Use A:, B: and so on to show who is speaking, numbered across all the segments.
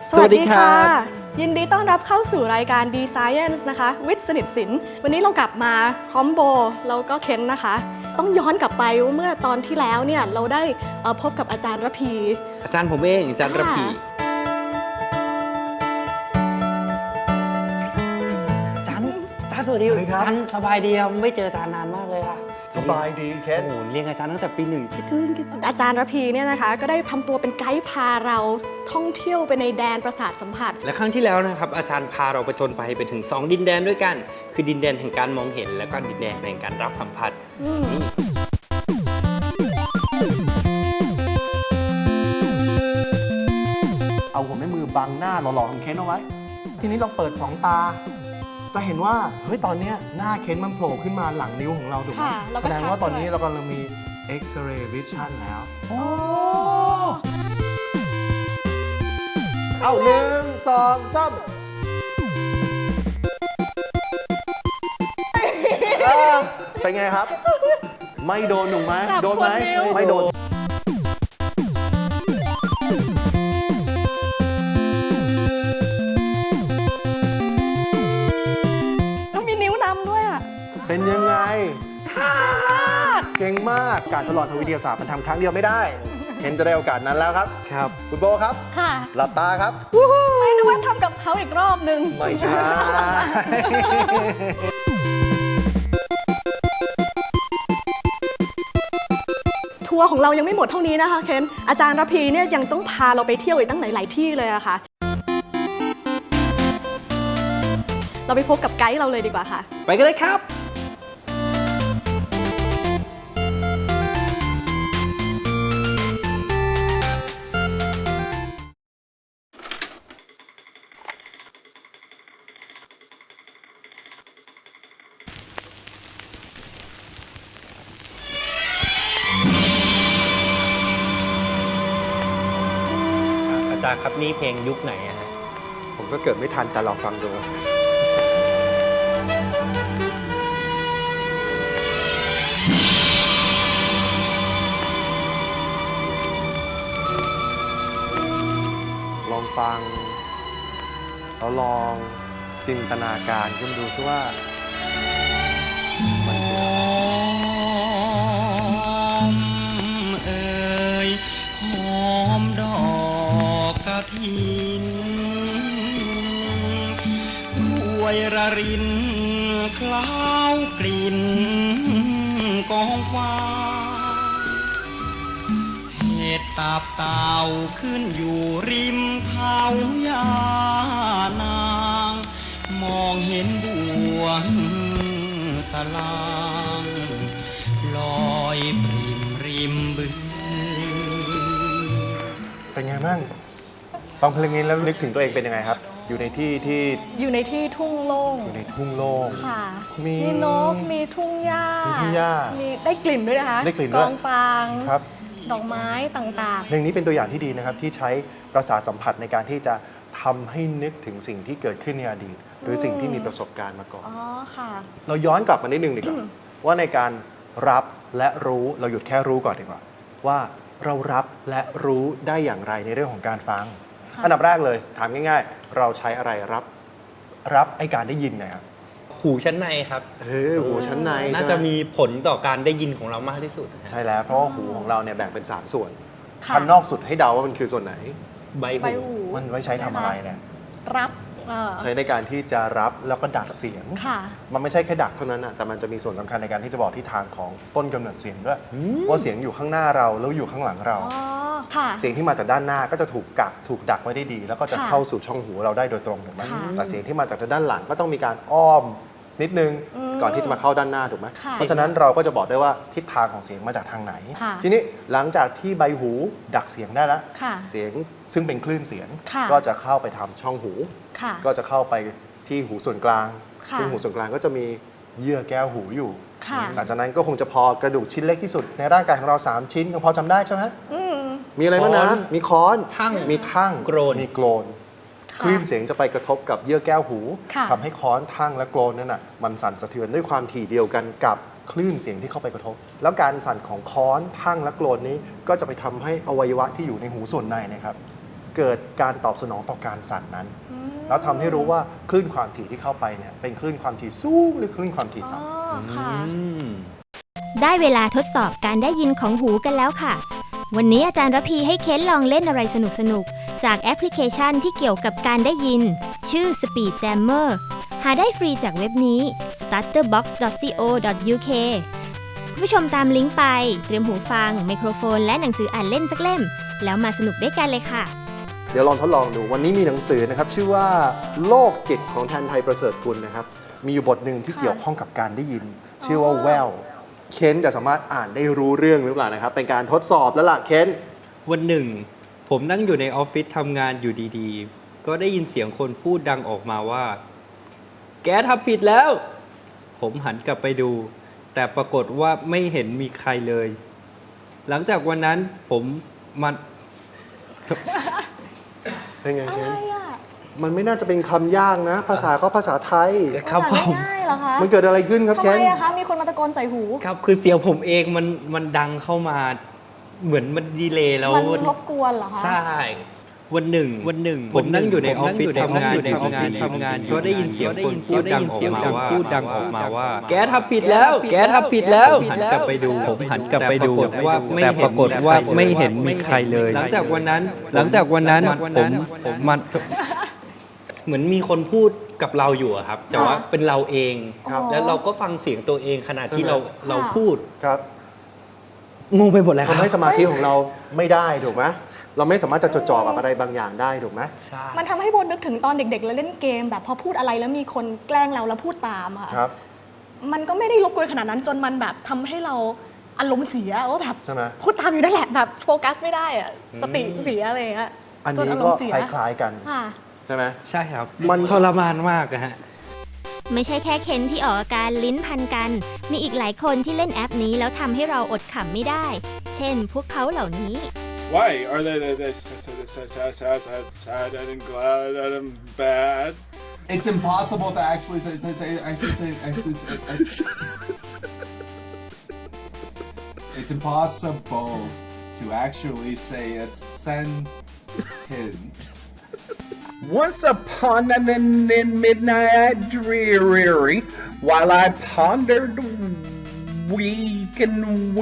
A: สวัสดีค่ะยินดีต้อนรับเข้าสู่รายการ D Science นะคะวิทย์สนิทศิลป์วันนี้เรากลับมาพร้อมโบแล้วก็เคนนะคะต้องย้อนกลับไปเมื่อตอนที่แล้วเนี่ยเราได้พบกับอาจารย์ระพี
B: อาจารย์ผมเองอาจารย์ระพีอาจารย์สวัสดีครับอาจารย์สบายดีครับไม่เจออาจารย์นานมากเลยค่ะ
C: สบายดีเคน
B: โอ้โหเรียนอาจารย์ตั้งแต่ปี 1คิดถึง
A: อาจารย์ระพีเนี่ยนะคะก็ได้ทำตัวเป็นไกด์พาเราท่องเที่ยวไปในแดนประสาทสัมผัส
B: และครั้งที่แล้วนะครับอาจารย์พาเราประจนไปถึง2ดินแดนด้วยกันคือดินแดนแห่งการมองเห็นและก็ดินแดนแห่งการรับสัมผัส
C: เอาหัวแม่มือบังหน้าหล่อๆของเคนเอาไว้ทีนี้เราเปิด2ตาจะเห็นว่าเฮ้ยตอนนี้หน้าเคนมันโผล่ขึ้นมาหลังนิ้วของเราถูกไหมแสดงว่าตอนนี้เรากำลังมี X-ray vision แล้วเอา1 2 3เป็นไงครับไม่โดนหนูไหมโดนไหมไม่โดนเป็นยังไงเก่งมากการทดลองทางวิทยาศาสตร์มันทำครั้งเดียวไม่ได้เคนจะได้โอกาสนั้นแล้วครับ
B: ครับ
C: คุณโบครับ
A: ค่ะ
C: หลับตาครับ
A: ไม่นึกว่าทำกับเขาอีกรอบนึง
C: ไม่ใช่
A: ทัวร์ของเรายังไม่หมดเท่านี้นะคะเคนอาจารย์ระพีเนี่ยยังต้องพาเราไปเที่ยวอีกตั้งหลายที่เลยอะค่ะเราไปพบกับไกด์เราเลยดีกว่าค่ะ
B: ไปกันเลยครับอาจารย์ครับนี่เพลงยุคไหนอะฮะ
C: ผมก็เกิดไม่ทันแต่ลองฟังดูลองฟังแล้วลองจินตนาการขึ้นมาดูซิว่ามันคือ
D: เอ่ยหอมดอกกฐินรวยระรินคล้าวกลิ่นกองฟ้าเห็ดตับเต่าขึ้นอยู่ริมเท้ายานางมองเห็นบัวสลางลอยปริมริมบึง
C: เป็นไงบ้างฟังเพลงนี้แล้วนึกถึงตัวเองเป็นยังไงครับอยู่ในที่
A: ทุ่งโล่ง
C: อยู่ในทุ่งโล่ง
A: ค่ะมีนกมีทุ่งหญ้ามีได้กลิ่นด้วยนะคะ
C: ได้กลิ่นด้วย
A: กองฟาง
C: ครับ
A: ดอกไม้ต่างๆ
C: เพลงนี้เป็นตัวอย่างที่ดีนะครับที่ใช้ประสาทสัมผัสในการที่จะทำให้นึกถึงสิ่งที่เกิดขึ้นในอดีตหรือสิ่งที่มีประสบการณ์มาก่อน
A: อ๋อค่ะ
C: เราย้อนกลับมานิดนึงดีกว่าว่าในการรับและรู้เราหยุดแค่รู้ก่อนดีกว่าว่าเรารับและรู้ได้อย่างไรในเรื่องของการฟังอันดับแรกเลยถามง่ายๆเราใช้อะไรรับไอการได้ยินนะครับ
B: หูชั้นในครับ
C: หูชั้นใน
B: น่าจะมีผลต่อการได้ยินของเรามากที่สุด
C: ใช่แล้วเพราะว่าหูของเราเนี่ยแบ่งเป็น3ส่วนชั้นนอกสุดให้เดาว่ามันคือส่วนไหน
B: ใบหู
C: มันไว้ใช้ทำอะไรเนี่ย
A: รับ
C: ใช้ในการที่จะรับแล้วก็ดักเสียงมันไม่ใช่แค่ดักเท่านั้นนะแต่มันจะมีส่วนสำคัญในการที่จะบอกทิศทางของต้นกำเนิดเสียงด้วยว่าเสียงอยู่ข้างหน้าเราแล้วอยู่ข้างหลังเราเสียงที่มาจากด้านหน้าก็จะถูกดักไว้ได้ดีแล้วก็จะเข้าสู่ช่องหูเราได้โดยตรงถูกไหมแต่เสียงที่มาจากด้านหลังก็ต้องมีการอ้อมนิดนึงก่อนที่จะมาเข้าด้านหน้าถูกไหมเพราะฉะนั้นเราก็จะบอกได้ว่าทิศทางของเสียงมาจากทางไหนทีนี้หลังจากที่ใบหูดักเสียงได้แล้วเสียงซึ่งเป็นคลื่นเสียงก็จะเข้าไปทำช่องหูก็จะเข้าไปที่หูส่วนกลางซึ่งหูส่วนกลางก็จะมีเยื่อแก้วหูอยู่หลังจากนั้นก็คงจะพอกระดูกชิ้นเล็กที่สุดในร่างกายของเรา3ชิ้นพอจำได้ใช่ไหมมีอะไรบ้างนะมีค้อนมีทั่งมีโกรนคลื่นเสียงจะไปกระทบกับเยื่อแก้วหูทำให้ค้อนทั่งและโกรนนั่นน่ะมันสั่นสะเทือนด้วยความถี่เดียวกันกับคลื่นเสียงที่เข้าไปกระทบแล้วการสั่นของค้อนทั่งและโกรนนี้ก็จะไปทำให้อวัยวะที่อยู่ในหูส่วนในนะครับเกิดการตอบสนองต่อการสั่นนั้น แล้วทำให้รู้ว่าคลื่นความถี่ที่เข้าไปเนี่ยเป็นคลื่นความถี่สูงหรือคลื่นความถี่ต่ำ
A: ค่ะ
E: ได้เวลาทดสอบการได้ยินของหูกันแล้วค่ะ วันนี้อาจารย์ระพีให้เค้นลองเล่นอะไรสนุกๆ จากแอปพลิเคชันที่เกี่ยวกับการได้ยิน ชื่อ Speed Jammer หาได้ฟรีจากเว็บนี้ starterbox.co.uk คุณผู้ชมตามลิงก์ไปเตรียมหูฟังไมโครโฟนและหนังสืออ่านเล่นสักเล่ม แล้วมาสนุกด้วยกันเลยค่ะ
C: เดี๋ยวลองทดลองดูวันนี้มีหนังสือนะครับชื่อว่าโลกจิตของแทนไทยประเสริฐกุลนะครับมีอยู่บทหนึ่งที่เกี่ยวข้องกับการได้ยิน ชื่อว่าแววเคนจะสามารถอ่านได้รู้เรื่องหรือเปล่านะครับเป็นการทดสอบแล้วล่ะเคน
B: วันหนึ่ง ผมนั่งอยู่ในออฟฟิศทำงานอยู่ดีๆ ก็ได้ยินเสียงคนพูดดังออกมาว่า แกทำผิดแล้ว ผมหันกลับไปดู แต่ปรากฏว่าไม่เห็นมีใครเลย หลังจากวันนั้นผมมัน
C: เป็นไง
A: อะ
C: เคน
A: ไรอ่ะ
C: มันไม่น่าจะเป็นคำยากนะ ภาษาก็ภาษาไทย
B: ครับผม
A: ง่ายๆเหรอคะ
C: มันเกิดอะไรขึ้นครับ
A: ทำ
C: เคน
A: ไมอะคะ มีคนมาตะโกนใส่หู
B: ครับคือเสียงผมเองมันดังเข้ามาเหมือนมันดีเลย์แล้ว
A: มันรบกวนเหรอคะ
B: ใช่วันหนึ่ง ผมนั่งอยู่ในออฟฟิศทำงานก็ได้ยินเสียงคนพูดดังออกมาว่า แกทำผิดแล้ว แกทำผิดแล้วหันกลับไปดูแต่ปรากฏว่าไม่เห็นมีใครเลย หลังจากวันนั้นผมมันเหมือนมีคนพูดกับเราอยู่อะครับแต่ว่าเป็นเราเอง
C: ครับ
B: แล้วเราก็ฟังเสียงตัวเองขณะที่เราพูด
C: ครับ
B: งงไปหมดแล้วครั
C: ทำ
B: บ
C: ให้สมาธิของเราไม่ได้ถูกไหมเราไม่สามารถจะจดจ่อกับอะไรบางอย่างได้ถูกไหม
B: ใช่
A: มันทำให้โบนึกถึงตอนเด็กๆแล้วเล่นเกมแบบพอพูดอะไรแล้วมีคนแกล้งเราแล้วพูดตามอะ
C: ครับ
A: มันก็ไม่ได้รบกวนขนาดนั้นจนมันแบบทำให้เราอารมณ์เสียว่าแบบ
C: ใช่ไหม
A: พูดตามอยู่นั่นแหละแบบโฟกัสไม่ได้อะสติเสียอะไรอย่างเงี้ย
C: อัน
A: จ
C: นี้
A: อาร
C: ก็
A: มณ์เสีย
C: คล้ายๆกัน
A: ค่ะ
C: ใช่ไหม
B: ใช่ครับ
C: มัน
B: ทรมานมากอะฮะ
E: ไม่ใช่แค่เคนที่ออกอาการลิ้นพันกัน มีอีกหลายคนที่เล่นแอปนี้แล้วทำให้เราอดขำไม่ได้ เช่น พวกเขาเหล่านี้
F: Why are they sad and glad and bad?
G: It's impossible to actually say It's impossible to actually say a sentence.
F: Once upon an midnight dreary, while I pondered weak and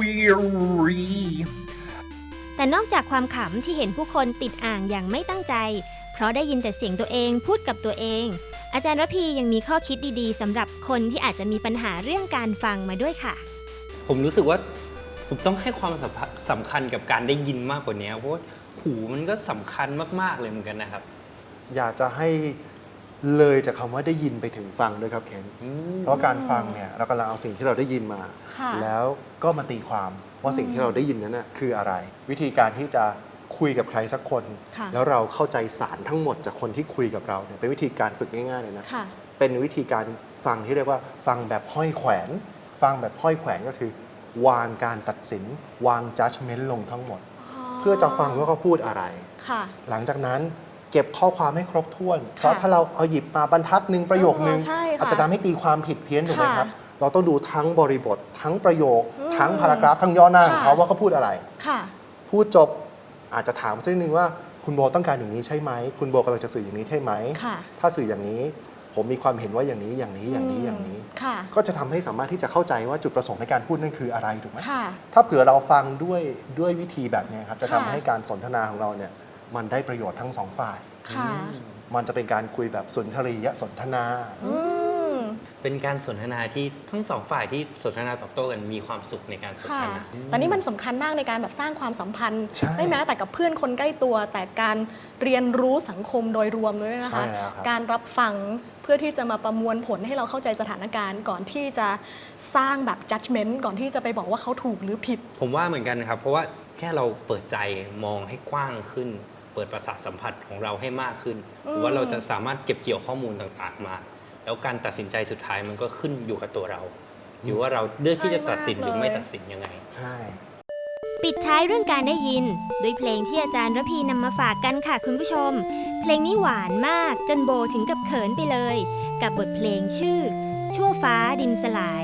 F: weary.
E: แต่นอกจากความขำที่เห็นผู้คนติดอ่างอย่างไม่ตั้งใจ เพราะได้ยินแต่เสียงตัวเองพูดกับตัวเอง อาจารย์ระพียังมีข้อคิดดีๆสำหรับคนที่อาจจะมีปัญหาเรื่องการฟังมาด้วยค่ะ
B: ผมรู้สึกว่าผมต้องให้ความสำคัญกับการได้ยินมากกว่านี้เพราะว่าหูมันก็สำคัญมากๆเลยเหมือนกันนะครับ
C: อยากจะให้เลยจากคำว่าได้ยินไปถึงฟังด้วยครับเคนเพราะการฟังเนี่ยเรากำลังเอาสิ่งที่เราได้ยินมา
A: ค่ะ
C: แล้วก็มาตีความว่าสิ่งที่เราได้ยินนั้นน่ะคืออะไร วิธีการที่จะคุยกับใครสักคน
A: ค่ะ
C: แล้วเราเข้าใจสารทั้งหมดจากคนที่คุยกับเราเนี่ยเป็นวิธีการฝึกง่ายๆเลยนะ
A: ค่ะ
C: เป็นวิธีการฟังที่เรียกว่าฟังแบบห้อยแขวน ฟังแบบห้อยแขวนก็คือ วางการตัดสิน วาง judgment ลงทั้งหมด เพื่อจะฟังว่าเขาพูดอะไร
A: ค่ะ
C: หลังจากนั้นเก็บข้อความให้ครบถ้วน เพราะถ้าเราเอาหยิบมาบรรทัดหนึ่งประโยคนึง
A: ใช่ค่ะ
C: อาจจะทำให้ตีความผิดเพี้ยนถูกไหมครับ
A: ค่ะ
C: เราต้องดูทั้งบริบท ทั้งประโยค ทั้งพารากราฟ ทั้งย่อหน้าของเขา
A: ค่ะ
C: ว่าเขาพูดอะไร
A: ค่ะ
C: พูดจบอาจจะถามสักนิดนึงว่าคุณโบต้องการอย่างนี้ใช่ไหม คุณโบกำลังจะสื่ออย่างนี้ใช่ไหม
A: ค่ะ
C: ถ้าสื่ออย่างนี้ ผมมีความเห็นว่าอย่างนี้อย่างนี้อย่างนี้อย่างนี้
A: ค่ะ
C: ก็จะทำให้สามารถที่จะเข้าใจว่าจุดประสงค์ในการพูดนั่นคืออะไรถูกไหม
A: ค่ะ
C: ถ้าเผื่อเราฟังด้วยวิธีแบบนี้ครับจะทำ
A: ค่ะ
C: ให้การสนทนาของเราเนี่ยมันได้ประโยชน์ทั้งสองฝ่าย
A: ค่ะ
C: มันจะเป็นการคุยแบบสุนทรียสนทนา
A: อืม
B: เป็นการสนทนาที่ทั้งสองฝ่ายที่สนทนาตอบโต้กันมีความสุขในการสนท
A: ค่ะ
B: นา
A: แต่นี่มันสำคัญมากในการแบบสร้างความสัมพันธ์
C: ใช่
A: ไม่แม้แต่กับเพื่อนคนใกล้ตัว แต่การเรียนรู้สังคมโดยรวมด้วยนะ
C: ใช่
A: คะ
C: แล้วครับ
A: การรับฟังเพื่อที่จะมาประมวลผลให้เราเข้าใจสถานการณ์ ก่อนที่จะสร้างแบบ judgment ก่อนที่จะไปบอกว่าเขาถูกหรือผิด
B: ผมว่าเหมือนกันนะครับ เพราะว่าแค่เราเปิดใจมองให้กว้างขึ้น เปิดประสาทสัมผัสของเราให้มากขึ้นหรือว่าเราจะสามารถเก็บเกี่ยวข้อมูลต่างๆมา แล้วการตัดสินใจสุดท้ายมันก็ขึ้นอยู่กับตัวเราหรือว่าเราเลือกที่จะตัดสินหรือไม่ตัดสินยังไง
C: ใช่
E: ปิดท้ายเรื่องการได้ยินด้วยเพลงที่อาจารย์ระพีนำมาฝากกันค่ะคุณผู้ชม เพลงนี้หวานมากจนโบถึงกับเขินไปเลย กับบทเพลงชื่อ ชั่วฟ้าดินสลาย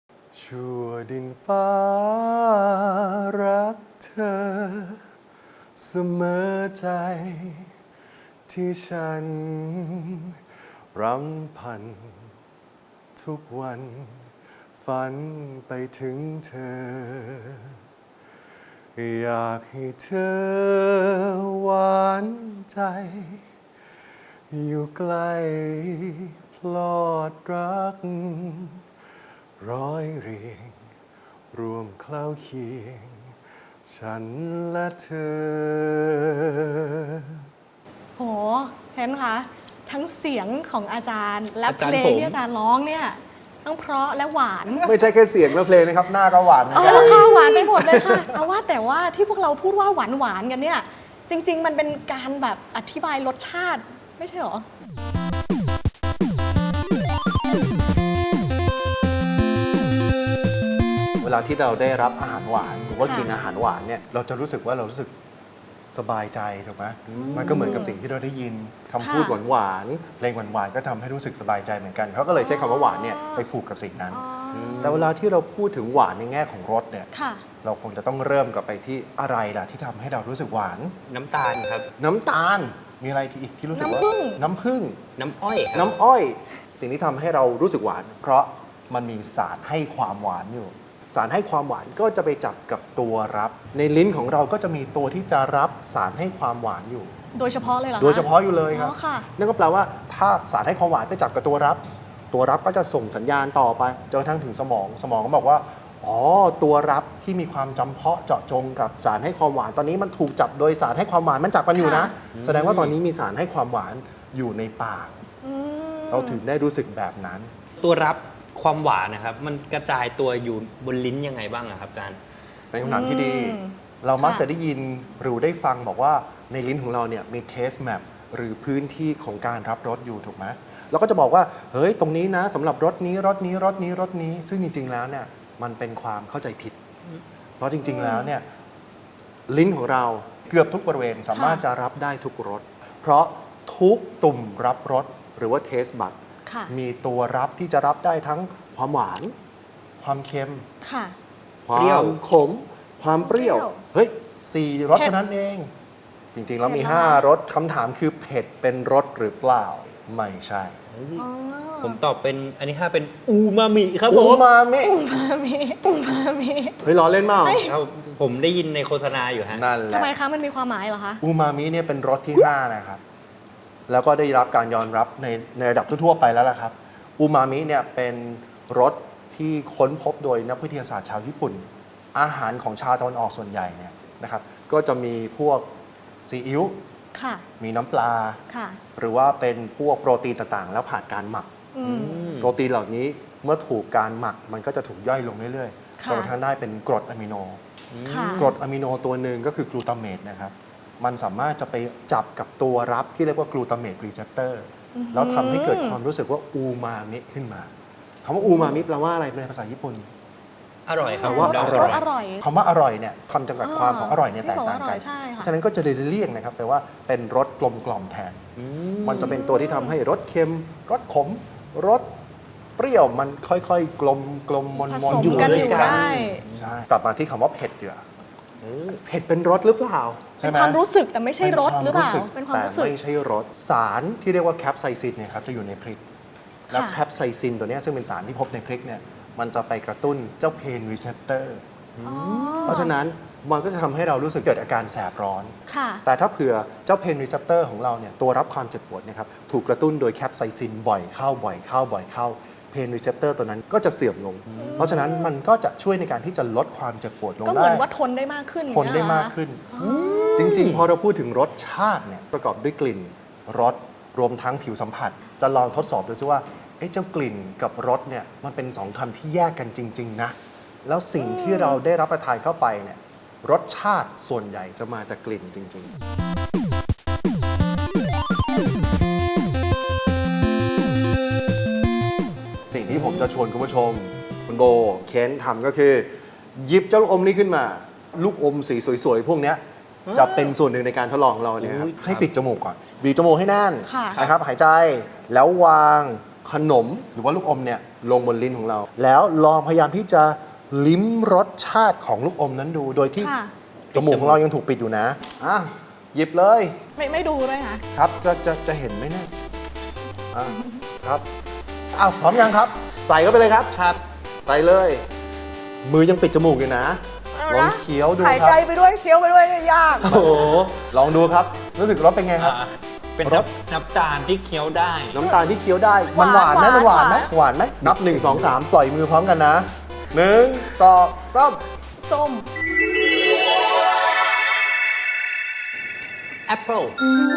C: ชั่วดินฟ้ารักเธอเสมอใจที่ฉันรำพันทุกวันฝันไปถึงเธออยากให้เธอหวานใจอยู่ใกล้พลอดรักร้อยเรียงรวมเคล้าเคียงฉันและเธอ
A: โหเห็นคะทั้งเสียงของอาจารย์และ
B: อา
A: เพ
B: จารย์
A: ลง
B: ผม
A: ที่อาจารย์ร้องเนี่ยทั้งเพราะและหวาน
C: ไม่ใช่แค่เสียงและเพลงนะครับ หน้าก็หวานเหมือนกัน
A: ค่ะหวานไปหมดเลยค่ะเอาว่าแต่ว่าที่พวกเราพูดว่าหวานหวานกันเนี่ยจริง ๆ มันเป็นการแบบอธิบายรสชาติไม่ใช่หรอ
C: เวลาที่เราได้รับอาหารหวานหรือว่า
A: ค่ะ
C: กินอาหารหวานเนี่ยเราจะรู้สึกว่าเรารู้สึกสบายใจถูกไหมมันก็เหมือนกับสิ่งที่เราได้ยินคำพูดหวานๆเพลงหวานๆก็ทำให้รู้สึกสบายใจเหมือนกันเขาก็เลยใช้คำว่าหวานเนี่ยไปผูกกับสิ่งนั้น แต่เวลาที่เราพูดถึงหวานในแง่ของรสเนี่ย
A: ค่ะ
C: เราคงจะต้องเริ่มกลับไปที่อะไรล่ะที่ทำให้เรารู้สึกหวาน
B: น้ำตาลครับ
C: น้ำตาลมีอะไรที่อีกที่รู้สึกว่า
A: น้ำผึ้ง
C: น้ำผึ้ง
B: น้ำอ้อยครับ
C: น้ำอ้อย สิ่งที่ทำให้เรารู้สึกหวาน เพราะมันมีสารให้ความหวานอยู่ สารให้ความหวานก็จะไปจับกับตัวรับ ในลิ้นของเราก็จะมีตัวที่จะรับสารให้ความหวานอยู่
A: โดยเฉพาะเลยเหรอคะ
C: โดยเฉพาะอยู่เลยครับ
A: อ๋อค่ะ
C: นั่นก็แปลว่าถ้าสารให้ความหวานไปจับกับตัวรับ ตัวรับก็จะส่งสัญญาณต่อไปจนกระทั่งถึงสมอง สมองก็บอกว่าอ๋อตัวรับที่มีความจำเพาะเจาะจงกับสารให้ความหวานตอนนี้มันถูกจับโดยสารให้ความหวานมันจับกันอยู่นะ แสดงว่าตอนนี้มีสารให้ความหวานอยู่ในปาก เราถึงได้รู้สึกแบบนั้น
B: ตัวรับความหวานนะครับ มันกระจายตัวอยู่บนลิ้นยังไงบ้างอะครับอาจารย์
C: เป็นคำถามที่ดี
A: อืม
C: เรามัก
A: ค่ะ
C: จะได้ยินหรือได้ฟังบอกว่าในลิ้นของเราเนี่ยมีเทสแมปหรือพื้นที่ของการรับรสอยู่ถูกไหมเราก็จะบอกว่าเฮ้ยตรงนี้นะสำหรับรสนี้รสนี้รสนี้รสนี้ ซึ่งจริงๆแล้วเนี่ยมันเป็นความเข้าใจผิด เพราะจริง ๆ แล้วเนี่ยลิ้นของเราเกือบทุกบริเวณสามารถจะรับได้ทุกรสเพราะทุกตุ่มรับรสหรือว่าเทสบัด
A: ค่ะ
C: มีตัวรับที่จะรับได้ทั้งความหวาน ความเค็ม
A: ค่ะ
C: ควา
B: เปรี้ยว
C: มขม ความเปรี้ยว
A: เปรี้ยว
C: เฮ้ย4 รส
A: เผ็ด
C: เท่านั้นเอง จริง ๆ แล้วมี
A: เผ็ดมาก
C: 5 รสคำถามคือเผ็ดเป็นรสหรือเปล่า ไม่ใช่
A: อ๋อ
B: ผมตอบเป็นอันนี้5เป็นอูมามิครับผ
C: อู
B: ม
C: มามิ
A: อูมามิ
C: เฮ้ยล้อเล่นเปล่า
B: ครับผมได้ยินในโฆษณาอยู่ฮะ
C: นั่นแห
A: ทำ
C: ละ
A: ไมคะมันมีความหมายเหรอคะ
C: อูมามิเนี่ยเป็นรสที่ 5 นะครับ แล้วก็ได้รับการยอมรับในระดับทั่วๆไปแล้วล่ะครับ อูมามิเนี่ยเป็นรสที่ค้นพบโดยนักวิทยาศาสตร์ชาวญี่ปุ่น อาหารของชาวตะวันออกส่วนใหญ่เนี่ยนะครับ ก็จะมีพวกซีอิ๊ว
A: ค่ะ
C: มีน้ำปลา
A: ค่ะ
C: หรือว่าเป็นพวกโปรตีนต่างๆ แล้วผ่านการหมัก
A: อืม
C: โปรตีนเหล่านี้เมื่อถูกการหมักมันก็จะถูกย่อยลงเรื่อยๆ
A: ค่ะ
C: จนกระทั่งได้เป็นกรดอะมิโน
A: ค่ะ
C: กรดอะมิโนตัวหนึ่งก็คือกลูตาเมตนะครับ มันสามารถจะไปจับกับตัวรับที่เรียกว่ากลูตาเมตรีเซปเตอร์แล้วทำให้เกิดความรู้สึกว่าอูมามิขึ้นมาคำว่าอูมามิแปลว่าอะไรในภาษาญี่ปุ่น
B: อร่อยครับ
C: แปลว่า
B: ผม
C: อ
B: เด
C: ร่อย
A: อร่อย
C: คำว่าอร่อยเนี่ยคำจำกัดความของอร่อยเนี่ย
A: ที่
C: แตก
A: บอก
C: ต่าง
A: ว่าอร่
C: กั
A: อน ยใช่ค่ะ
C: ฉะนั้นก็จะเลยเลี่ยงนะครับแปลว่าเป็นรสกลมกล่อมแทน มันจะเป็นตัวที่ทำให้รสเค็ม รสขม รสเปรี้ยวมันค่อยๆ กลมกลมมน
A: ผ
C: มน
A: สม
C: อยู่
A: กัน
C: ด้วย
A: อยู่
C: กัน
A: ได้
C: ใช่กลับมาที่คำว่าเผ็ดเดือเผ็ดเป็นรสหรือเปล่า
A: เป็
C: ใช่
A: น
C: ไหม
A: ความรู้สึกแต่ไม่ใช่รสหรือเปล่า
C: เป็
A: เป็น น
C: ความ
A: ความรู้สึก
C: แต่ไม่ใช่รสสารที่เรียกว่าแคปไซซินเนี่ยครับจะอยู่ในพริก แล้ว
A: ค่ะ
C: แคปไซซินตัวเนี้ยซึ่งเป็นสารที่พบในพริกเนี่ยมันจะไปกระตุ้นเจ้าเพนรีเซปเตอร์ เพราะฉะนั้นมันก็จะทำให้เรารู้สึกเกิดอาการแสบร้อน
A: ค่ะ
C: แต่ถ้าเผื่อเจ้าเพนรีเซปเตอร์ของเราเนี่ยตัวรับความเจ็บปวดเนะครับถูกกระตุ้นโดยแคปไซซินบ่อยเข้าบ่อยเข้าบ่อยเข้าเพนรีเซปเตอร์ตัวนั้นก็จะเสื่อมลง เพราะฉะนั้นมันก็จะช่วยในการที่จะลดความเจ็บปวดลง
A: ก็เห
C: ได้
A: มือนว่าทนได้มากขึ้น
C: ทนได้
A: อย่งเงี้ยเหรอ
C: มากขึ้น จริง ๆ พอเราพูดถึงรสชาติเนี่ยประกอบด้วยกลิ่นรสรวมทั้งผิวสัมผัส จะลองทดสอบดูซิว่าเอ๊ะเจ้ากลิ่นกับรสเนี่ยมันเป็นสองคำที่แยกกันจริง ๆ นะ แล้วสิ่งที่เราได้รับประทานเข้าไปเนี่ยรสชาติส่วนใหญ่จะมาจากกลิ่นจริง ๆ สิ่งที่ผมจะชวนคุณผู้ชม คุณโบเคนทำก็คือ หยิบเจ้าลูกอมนี้ขึ้นมา ลูกอมสีสวย ๆ พวกเนี้ยจะเป็นส่วนหนึ่งในการทดลองของเราเนี่ยครับ
B: อุ๊ยครับ
C: ให้ปิดจมูกก่อน บีบจมูกให้แน่น
A: ค่ะ
C: นะครับ หายใจแล้ววางขนมหรือว่าลูกอมเนี่ยลงบนลิ้นของเรา แล้วลองพยายามที่จะลิ้มรสชาติของลูกอมนั้นดู โดยที่
A: ค่ะ
C: จมูกของเรายังถูกปิดอยู่นะอ่ะหยิบเลย
A: ไม่ดูด้วยนะครับ
C: จะเห็นไหมเนี่ยอ่ะครับอ้าวพร้อมยังครับ ใส่เข้าไปเลยครับ
B: ครับ
C: ใส่เลย มือยังปิดจมูกอยู่นะลองเคี้ยวดู
A: หาย
C: ครั
A: ใจ
C: บ
A: ไปด้วยเคี้ยวไปด้วยยาก
B: โอ้โห
C: ลองดูครับ รู้สึกรสเป็นไงครับ
B: เป็น
C: รส
B: น้ำตาลที่เคี้ยวได้
C: น้ำตาลที่เคี้ยวได้ มันหวานไหมมันหวานไหมหวานไหมนับ 1 2 3 ปล่อยมือพร้อมกันนะ 1 2 3
A: ส้ม
B: แอปเปิล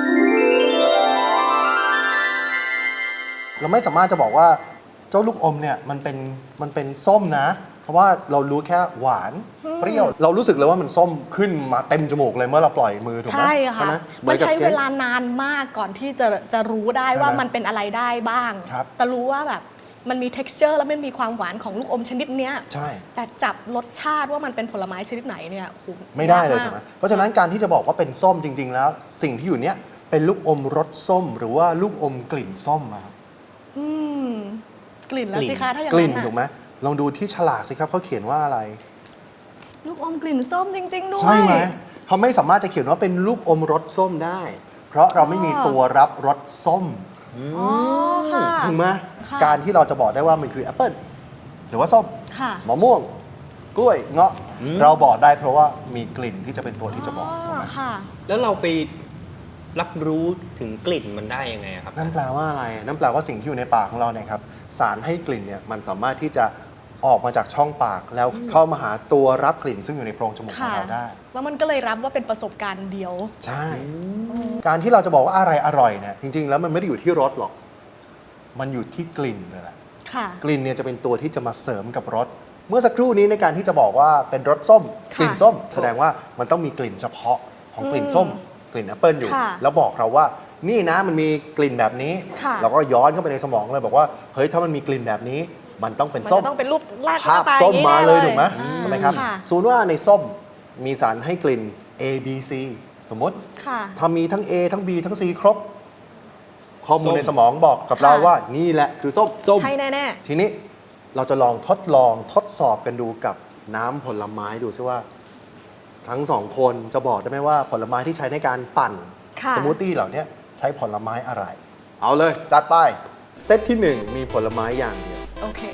C: เราไม่สามารถจะบอกว่าเจ้าลูกอมเนี่ยมันเป็นส้มนะ เพราะว่าเรารู้แค่หวานเปรี้ยว เรารู้สึกเลยว่ามันส้มขึ้นมาเต็มจมูกเลยเมื่อเราปล่อยมือถูกไหม
A: ใช่ค่ะ
C: ไห
A: มันใช้
C: ห
A: เว
C: อกับ
A: ลานานมากก่อนที่จะรู้ได้
C: ใช่ไหม
A: ว่ามันเป็นอะไรได้บ้าง
C: ครับ
A: แต่รู้ว่าแบบมันมี texture แล้วมันมีความหวานของลูกอมชนิดเนี้ย
C: ใช่
A: แต่จับรสชาติว่ามันเป็นผลไม้ชนิดไหนเนี่ยโอ้โห
C: ไม่ได้เลย
A: ากาก
C: ใช่ไหมเพราะฉะนั้นการที่จะบอกว่าเป็นส้มจริง ๆ แล้ว สิ่งที่อยู่เนี้ยเป็นลูกอมรสส้ม หรือว่าลูกอมกลิ่นส้มอะครับ
A: อืมกลิ่นแล้วสิคะถ้าอย่าง
C: กลิ่น
A: นั้น
C: ถูก
A: น่ะ
C: ไหมลองดูที่ฉลากสิครับเขาเขียนว่าอะไร
A: ลูกอมกลิ่นส้มจริง ๆ ด้วย
C: ใช่ไหมเขาไม่สามารถจะเขียนว่าเป็นลูกอมรสส้มได้ เพราะเราไม่มีตัวรับรสส้ม
A: อ๋อค่ะ
C: ถูกไหม
A: ค่ะ
C: การที่เราจะบอกได้ว่ามันคือแอปเปิลหรือว่าส้ม
A: ค่ะ
C: มะม่วง กล้วยเงาะเราบอกได้เพราะว่ามีกลิ่นที่จะเป็นตัวที่จะบอกถูกไหม
A: ค่ะ
B: แล้วเราไปรับรู้ถึงกลิ่นมันได้ยังไงครับ
C: นั่นแปลว่าอะไร นั่นแปลว่าสิ่งที่อยู่ในปากของเราเนี่ยครับสารให้กลิ่นเนี่ยมันสามารถที่จะออกมาจากช่องปากแล้วเข้ามาหาตัวรับกลิ่นซึ่งอยู่ในโพรงจมูกของ
A: ค่ะ
C: เราได้
A: แล้วมันก็เลยรับว่าเป็นประสบการณ์เดียว
C: ใช่ การที่เราจะบอกว่าอะไรอร่อยเนี่ยจริง ๆ แล้วมันไม่ได้อยู่ที่รสหรอก มันอยู่ที่กลิ่นเลยแหละ
A: ค่ะ
C: กลิ่นเนี่ยจะเป็นตัวที่จะมาเสริมกับรส เมื่อสักครู่นี้ในการที่จะบอกว่าเป็นรสส้ม
A: ค่ะ
C: กลิ่นส้ม แสดงว่ามันต้องมีกลิ่นเฉพาะของกลิ่นส้ม กลิ่นแอปเปิลอยู่
A: ค่ะ
C: แล้วบอกเราว่านี่นะมันมีกลิ่นแบบนี้
A: ค่ะ
C: เราก็ย้อนเข้าไปในสมองเลยบอกว่าเฮ้ยถ้ามันมีกลิ่นแบบนี้ มันต้องเป็น
A: มัน
C: ส้ม
A: จะต้องเป็นรูปลาก
C: ภาพ
A: ต
C: ส้ม
A: อย่งนี้
C: มา
A: แน่
C: เลยถูกไหม
A: อ่า
C: ใช่ไหมครับ
A: ค่ะ
C: สมมติว่าในส้มมีสารให้กลิ่น A B C สมมติ
A: ค่ะ
C: ถ้ามีทั้ง A ทั้ง B ทั้ง C ครบ ข้อมูล
B: ส้ม
C: ในสมองบอกกับ
A: ค่ะ
C: เราว่านี่แหละคือส้ม
A: ใช่แน่
C: ทีนี้เราจะลองทดสอบกันดูกับน้ำผลไม้ดูซิว่า ทั้งสองคนจะบอกได้ไหมว่าผลไม้ที่ใช้ในการปั่น
A: ค่ะ
C: สมูทตี้เหล่านี้ใช้ผลไม้อะไร เอาเลย จัดไป เซตที่ 1 มีผลไม้อย่างเดียว
A: ๆ โอเค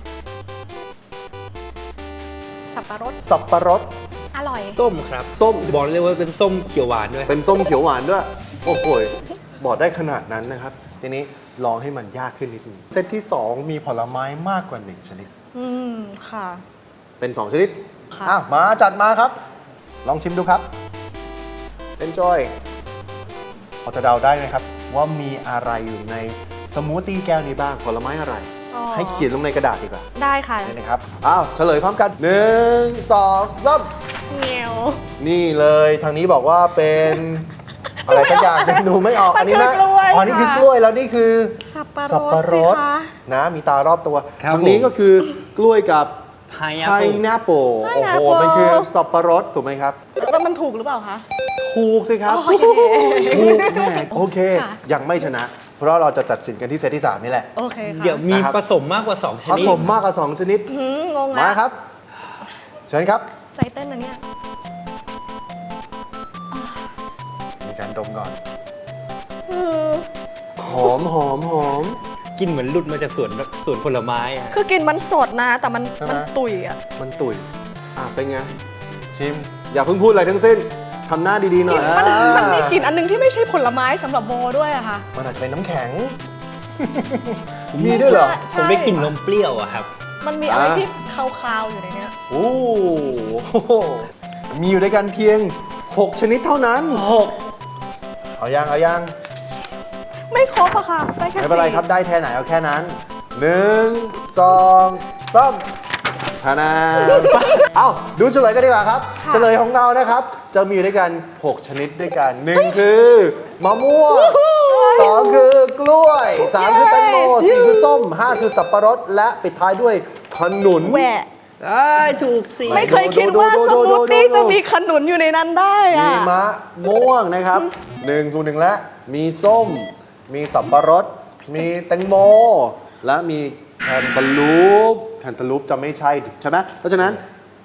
A: สับปะรด
C: สับปะรด
A: อร่อย
B: ส้มครับ
C: ส้ม
B: บอกเลยว่าเป็นส้มเขียวหวานด้วย
C: เป็นส้มเขียวหวานด้วย โอ้โหบอกได้ขนาดนั้นนะครับ ทีนี้ลองให้มันยากขึ้นนิดนึงเซตที่ 2 มีผลไม้มากกว่า 1 ชนิด
A: อืม ค่ะ
C: เป็น 2 ชนิด
A: ค่ะ
C: อ้าวมาจัดมาครับ ลองชิมดูครับ Enjoy พอจะเดาได้ไหมครับ ว่ามีอะไรอยู่ในสมูทตี้แก้วนี้บ้าง ผลไม้อะไร
A: อ๋อ
C: ให้เขียนลงในกระดาษดีกว่า
A: ได้ค่ะ
C: นี่นะครับ อ้าวเฉลยพร้อมกัน 1 2 3
A: เงียว
C: นี่เลยทางนี้บอกว่าเป็น อะไรสักอย่างหนึ่งดูไม่ออก อันนี้นะ
A: มันคือกล้วย
C: อ๋อนี่คือก
A: ค่ะ
C: ล้วยแล้วนี่คือ
A: สับปะรด
C: สับปะรด
A: สิคะ
C: นะมีตารอบตัว
B: ครับ
C: ทางนี้
B: ผม
C: ก็คือกล้วยกับ
B: Pineapple
C: pineapple โอ้โห
A: Pineapple
C: มันคือสับปะรดถูกไหมครับ
A: แล้วมันถูกหรือเปล่าคะ
C: ถูกสิครับ
A: โอเค
C: ถูกแหม่โอเค
A: ค่ะ
C: ยังไม่ชนะ เพราะเราจะตัดสินกันที่เซตที่ 3 นี่แหละ
A: โอเคค่ะ
B: เดี๋ยวมี
C: นะครับ
B: ผสมมากกว่า 2 ช
C: ผ
B: นิด
C: สมมากกว่า 2 ชนิด
A: งง
C: มา
A: แล้ว
C: ครับ เชิญครับ
A: ใจเต้นนะเนี่ย
C: มีการดมก่อน
A: เออ
C: หอมหอมหอม
B: กินเหมือนหลุดมาจากสวนผลไม้อะ
A: คือกลินมันสดนะ แต่มัน
C: ใช่ไหม
A: มันตุ๋ยอ่ะ
C: มันตุ๋ยเป็นไง ชิม อย่าเพิ่งพูดอะไรทั้งสิ้นทำหน้าดีๆหน่อย
A: มันมีกลิ่นอันหนึงที่ไม่ใช่ผลไม้สำหรับโบด้วยอะค่ะ
C: มันอาจจะเป็นน้ำแข็ง มีด้วยเหรอ
A: ใช่
B: ผมได้กลิ่นนมเปรี้ยวอะครับ
A: มันมีอะไร
C: อ่ะ
A: ที่คาวๆอยู่ในเนี้ย
C: โอ้โหมีอยู่ด้วยกันเพียง 6 ชนิดเท่านั้น เอายังเอายัง
A: ไม่ครบอะค่ะ ได้แค่
C: ไม่เป็นไร
A: สี่
C: ครับ ได้แค่ไหนเอาแค่นั้น 1 2 3ชนะ เอาดูเฉลยกันดีกว่าครับ เฉลยของเรานะครับ จะมีอยู่ด้วยกัน 6 ชนิดด้วยกัน 1 คือมะม่วง 2 คือกล้วย 3 คือแตงโม 4 คือส้ม 5 คือสับปะรด และปิดท้ายด้วยขนุน
A: แหวะ
B: ได้ถูกสิ
A: ไม่เคยคิดว่า
C: ดู
A: ส
C: ดู
A: มูทตี้
C: ดู
A: จะมีขนุนอยู่ในนั้นได้อะ
C: มีมะม่วงนะครับ1 2 1 และมีส้ม มีสับปะรด มีแตงโม และมีแคนตาลูปจะไม่ใช่ใช่ไหมเพราะฉะนั้น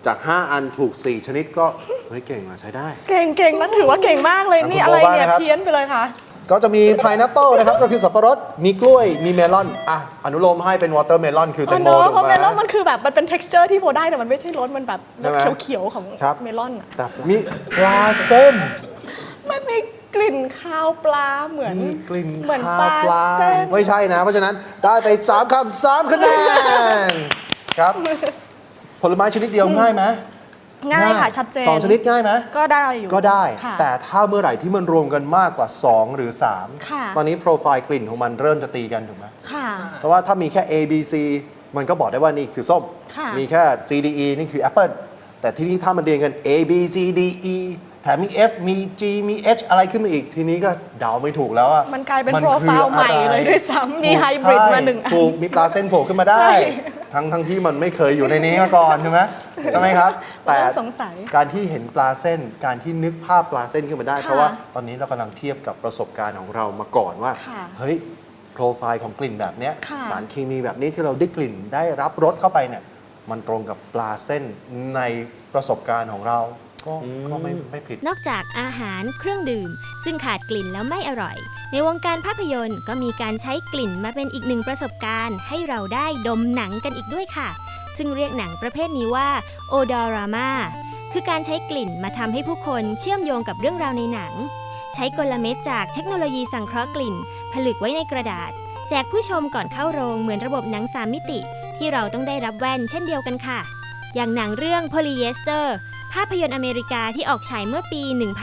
C: จาก 5 อันถูก 4 ชนิดก็เฮ้ยเก่งอะใช้ได้
A: เก่งนั่นถือว่าเก่งมากเลย
C: อ่ะ
A: นี่
C: คุณ
A: อะไร
C: โบว่า
A: เนี่ย
C: นะครับ
A: เพี้ยนไปเลยค่ะ
C: ก็จะมี pineapple นะครับ ก็คือสับปะรด มีกล้วย มีเมลอน อนุโลมให้เป็น watermelon คือแตงโม
A: เนอะ
C: ถูก
A: เพราะ
C: ไห
A: เม
C: ม
A: ลอนมันคือแบบมันเป็น texture ที่โบได้แต่มันไม่ใช่รสมันแบบร
C: ใช่
A: ส
C: ไหม
A: เขียวๆของ
C: ครับ
A: เมลอนอะ
C: แต่มีปลาเส้น
A: มันมีกลิ่นคาวปลาเหมือน
C: มีกลิ่น
A: เหมือน
C: คา
A: ป
C: ว
A: ลา
C: ปลา
A: เส้น
C: ไม่ใช่นะ เพราะฉะนั้นได้ไป 3 คำ 3 คะแนนครับ ผลไม้ชนิดเดียวง่ายไหม
A: ง่ายค่ะชัดเจน
C: 2 ชนิดง่ายไหม
A: ก็ได้อยู่
C: ก็ได้
A: ค่ะ
C: แต่ถ้าเมื่อไหร่ที่มันรวมกันมากกว่า 2 หรือ
A: ค่ะ
C: 3 ตอนนี้โปรไฟล์กลิ่นของมันเริ่มจะตีกันถูกไหม
A: ค่ะ
C: เพราะว่าถ้ามีแค่ A B C มันก็บอกได้ว่านี่คือส้ม
A: ค่ะ
C: มีแค่ C D E นี่คือแอปเปิลแต่ที่นี่ถ้ามันเรียงกัน A B C D E แถมมี F มี G มี H อะไรขึ้นมาอีก ทีนี้ก็เดาไม่ถูกแล้วอะ
A: มันกลายเป็น
C: มั
A: โปรไฟล์
C: คือ
A: ใหม่
C: อะไร
A: เลยด้วยซ้ำมี
C: ถูก
A: ไฮบริดมา
C: ใช่
A: 1 อัน
C: ถูกมีปลาเส้นโผล่ขึ้นมาได้
A: ใช่
C: ทั้งที่มันไม่เคยอยู่ในนี้มาก่อนใช่ไหมใช่ไหมครับ แต่
A: เริ่มสงสัย
C: การที่เห็นปลาเส้น การที่นึกภาพปลาเส้นขึ้นมาได้
A: ค่ะ
C: เพราะว่าตอนนี้เรากำลังเทียบกับประสบการณ์ของเรามาก่อนว่า
A: ค่ะ
C: เฮ้ยโปรไฟล์ของกลิ่นแบบเนี้ย
A: ค่ะ
C: สารเคมีแบบนี้ที่เราได้กลิ่นได้รับรสเข้าไปเนี่ยมันตรงกับปลาเส้นในประสบการณ์ของเราก็ไม่ผิด
E: นอกจากอาหารเครื่องดื่ม ซึ่งขาดกลิ่นแล้วไม่อร่อย ในวงการภาพยนตร์ก็มีการใช้กลิ่นมาเป็นอีกหนึ่งประสบการณ์ให้เราได้ดมหนังกันอีกด้วยค่ะ ซึ่งเรียกหนังประเภทนี้ว่าโอดอรามาคือการใช้กลิ่นมาทำให้ผู้คนเชื่อมโยงกับเรื่องราวในหนัง ใช้กลเม็ดจากเทคโนโลยีสังเคราะห์กลิ่น ผลึกไว้ในกระดาษ แจกผู้ชมก่อนเข้าโรงเหมือนระบบหนัง3 มิติ ที่เราต้องได้รับแว่นเช่นเดียวกันค่ะ อย่างหนังเรื่อง Polyester ภาพยนตร์อเมริกาที่ออกฉายเมื่อปี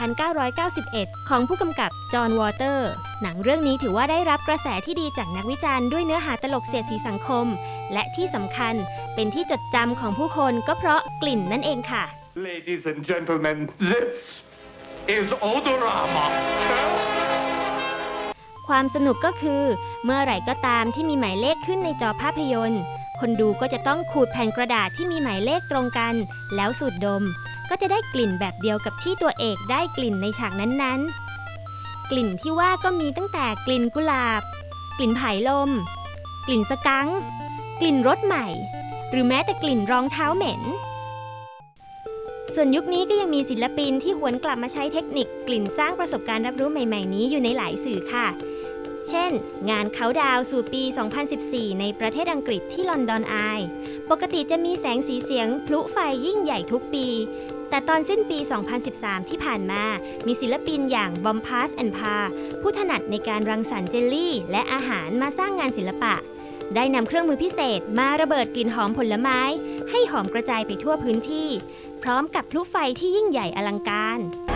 E: 1991 ของผู้กำกับจอห์นวอเตอร์ หนังเรื่องนี้ถือว่าได้รับกระแสที่ดีจากนักวิจารณ์ด้วยเนื้อหาตลกเสียดสีสังคม และที่สำคัญเป็นที่จดจำของผู้คนก็เพราะกลิ่นนั่นเองค่ะ
H: Ladies and gentlemen, this is Odorama.
E: ความสนุกก็คือเมื่อไหร่ก็ตามที่มีหมายเลขขึ้นในจอภาพยนตร์ คนดูก็จะต้องขูดแผ่นกระดาษที่มีหมายเลขตรงกัน แล้วสูดดม ก็จะได้กลิ่นแบบเดียวกับที่ตัวเอกได้กลิ่นในฉากนั้นๆ กลิ่นที่ว่าก็มีตั้งแต่กลิ่นกุหลาบ กลิ่นไผ่ลม กลิ่นสกังค์กลิ่นรถใหม่ หรือแม้แต่กลิ่นรองเท้าเหม็น ส่วนยุคนี้ก็ยังมีศิลปินที่หวนกลับมาใช้เทคนิคกลิ่นสร้างประสบการณ์รับรู้ใหม่ๆนี้อยู่ในหลายสื่อค่ะ เช่น งานเขาดาวน์สู่ปี 2014 ในประเทศอังกฤษที่ลอนดอนอายปกติจะมีแสงสีเสียงพลุไฟยิ่งใหญ่ทุกปี แต่ตอนสิ้นปี 2013 ที่ผ่านมา มีศิลปินอย่างบอมพาสแอนด์พาผู้ถนัดในการรังสรรค์เจลลี่ และอาหารมาสร้างงานศิลปะ ได้นำเครื่องมือพิเศษมาระเบิดกลิ่นหอมผลไม้ ให้หอมกระจายไปทั่วพื้นที่ พร้อมกับพลุไฟที่ยิ่งใหญ่อลังการ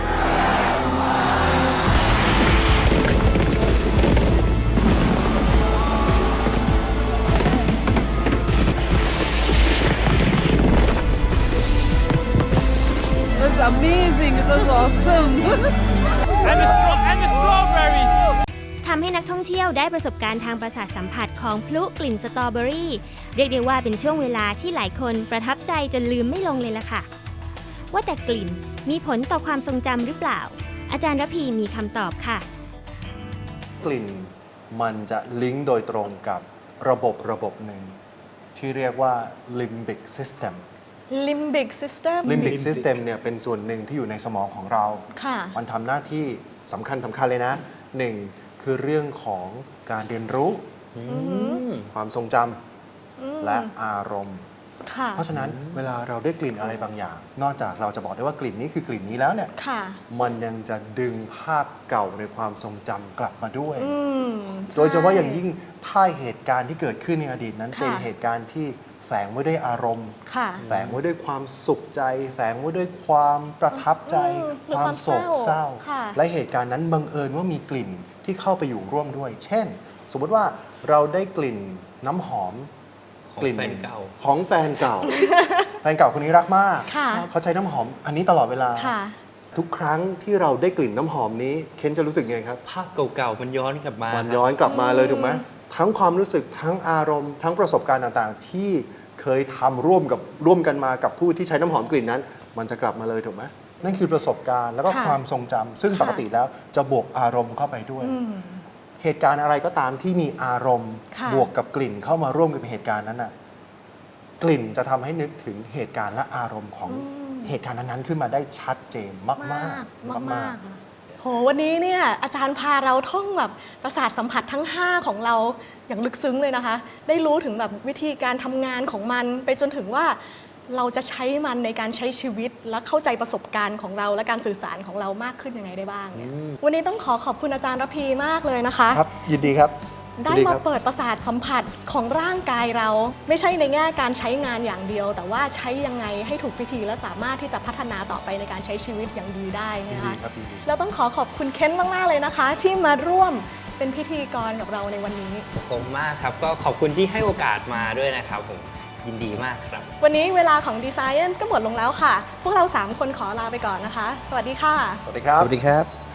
I: It was amazing. It was awesome.
H: And the strawberries.
E: ทำให้นักท่องเที่ยวได้ประสบการณ์ทางประสาทสัมผัสของพลุกลิ่นสตรอเบอรี่ เรียกได้ว่าเป็นช่วงเวลาที่หลายคนประทับใจจนลืมไม่ลงเลยล่ะค่ะ ว่าแต่กลิ่นมีผลต่อความทรงจำหรือเปล่า อาจารย์ระพีมีคำตอบค่ะ
C: กลิ่นมันจะลิงก์โดยตรงกับระบบหนึ่งที่เรียกว่า limbic system
A: limbic system
C: limbic system เนี่ยเป็นส่วนหนึ่งที่อยู่ในสมองของเรา
A: ค่ะ
C: มันทำหน้าที่สำคัญเลยนะหนึ่งคือเรื่องของการเรียนรู้ความทรงจำและอารมณ์
A: ค่ะ
C: เพราะฉะนั้นเวลาเราได้กลิ่นอะไรบางอย่าง นอกจากเราจะบอกได้ว่ากลิ่นนี้คือกลิ่นนี้แล้วเนี่ย
A: ค่ะ
C: มันยังจะดึงภาพเก่าในความทรงจำกลับมาด้วย
A: ใช่
C: โดยเฉพาะอย่างยิ่งถ้าเหตุการณ์ที่เกิดขึ้นในอดีตนั้น
A: ค่ะ
C: เป็นเหตุการณ์ที่แฝงไว้ด้วยอารมณ์
A: ค่ะ
C: แฝงไว้ด้วยความสุขใจ แฝงไว้ด้วยความประทับใจ
A: หรือ
C: ความโศกเศร้า
A: ค่ะ
C: และเหตุการณ์นั้นบังเอิญว่ามีกลิ่นที่เข้าไปอยู่ร่วมด้วย เช่น สมมติว่าเราได้กลิ่นน้ำหอม
B: ของ
C: กลิ่น
B: แฟนเก่า
C: ของแฟนเก่า แฟนเก่าคนนี้รักมาก
A: ค่ะ
C: เขาใช้น้ำหอมอันนี้ตลอดเวลา
A: ค่ะ
C: ทุกครั้งที่เราได้กลิ่นน้ำหอมนี้เคนจะรู้สึกไงครับ
B: ภาพเก่าๆมันย้อนกลับมา
C: มัน
B: ครับ
C: ย้อนกลับมาเลยถูกไหมทั้งความรู้สึกทั้งอารมณ์ทั้งประสบการณ์ต่างๆ ที่เคยทำร่วมกันมากับผู้ที่ใช้น้ำหอมกลิ่นนั้น มันจะกลับมาเลยถูกไหมนั่นคือประสบการณ์แล้วก็
A: ค่ะ
C: ความทรงจำซึ่ง
A: ค่ะ
C: ปกติแล้วจะบวกอารมณ์เข้าไปด้วย เหตุการณ์อะไรก็ตามที่มีอารมณ์
A: ค่ะ
C: บวกกับกลิ่นเข้ามาร่วมกับเหตุการณ์นั้นน่ะกลิ่นจะทำให้นึกถึงเหตุการณ์และอารมณ์ของเหตุการณ์นั้นๆขึ้นมาได้ชัดเจนมากๆ
A: มากๆโหวันนี้เนี่ยอาจารย์พาเราท่องแบบประสาทสัมผัสทั้ง 5 ของเราอย่างลึกซึ้งเลยนะคะได้รู้ถึงแบบวิธีการทำงานของมันไปจนถึงว่าเราจะใช้มันในการใช้ชีวิตและเข้าใจประสบการณ์ของเราและการสื่อสารของเรามากขึ้นยังไงได้บ้างเนี่ยวันนี้ต้องขอบคุณอาจารย์ระพีมากเลยนะคะ
C: ครับยินดีครับ
A: ได้มาเปิดประสาทสัมผัสของร่างกายเราไม่ใช่ในแง่การใช้งานอย่างเดียว แต่ว่าใช้ยังไงให้ถูกวิธีและสามารถที่จะพัฒนาต่อไปในการใช้ชีวิตอย่างดีได้นะคะแล้วต้องขอบคุณเคนมากๆเลยนะคะ ที่มาร่วมเป็นพิธีกรกับเราในวันนี้
B: ผมมากครับก็ขอบคุณที่ให้โอกาสมาด้วยนะครับผมยินดีมากครับ
A: วันนี้เวลาของ D-Science ก็หมดลงแล้วค่ะพวกเรา3 คนขอลาไปก่อนนะคะสวัสดีค่ะ
C: สวัสดีครับ